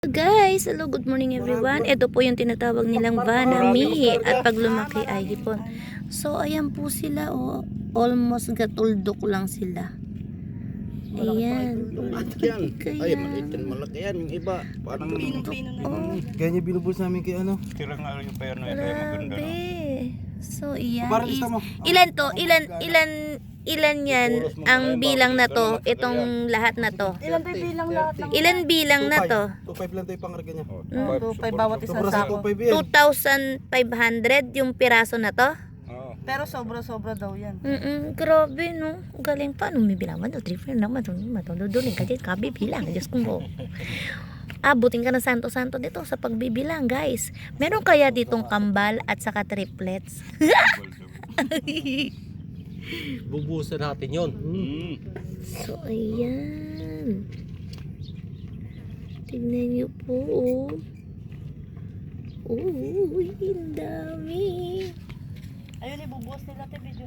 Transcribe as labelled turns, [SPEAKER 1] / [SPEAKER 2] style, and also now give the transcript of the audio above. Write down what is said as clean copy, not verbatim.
[SPEAKER 1] Guys, hello, good morning everyone. Ito po yung tinatawag nilang vanami at pag lumaki ay hipon. So ayan po sila, oh, almost gatuldok lang sila. Ayan.
[SPEAKER 2] Ay, maliit yan, malaki yan. Yung iba, parang
[SPEAKER 1] Oh,
[SPEAKER 3] Kaya niya binubulsa namin kay ano.
[SPEAKER 2] tira nga yung pair na ito, maganda.
[SPEAKER 1] grabe. So ayan
[SPEAKER 3] Parang
[SPEAKER 1] is,
[SPEAKER 3] isa mo.
[SPEAKER 1] ilan to? Ilan yan ang bilang na to? Itong lahat na to.
[SPEAKER 4] Ilan tayo bilang lahat ng
[SPEAKER 1] Ilan bilang na to?
[SPEAKER 3] 2.5 lang tayo pangarga niya.
[SPEAKER 4] 2.5 bawat isang
[SPEAKER 3] Sobra sa
[SPEAKER 4] sako.
[SPEAKER 3] 2.5 yan.
[SPEAKER 1] 2,500 yung piraso na to?
[SPEAKER 4] Pero sobra-sobra daw yan.
[SPEAKER 1] Grabe no. Galing pa. Nung may bilang mo, 3 naman. Matunudunin ka dyan. Kabibilang. Diyos ko mo. Abutin ka ng santo-santo dito sa pagbibilang, guys. Meron kaya ditong kambal at saka triplets?
[SPEAKER 3] Bubusan natin yun.
[SPEAKER 1] So, ayan. Tignan niyo po. Uy, ang dami.
[SPEAKER 4] Ayun, ibubuhos nila, Tebe.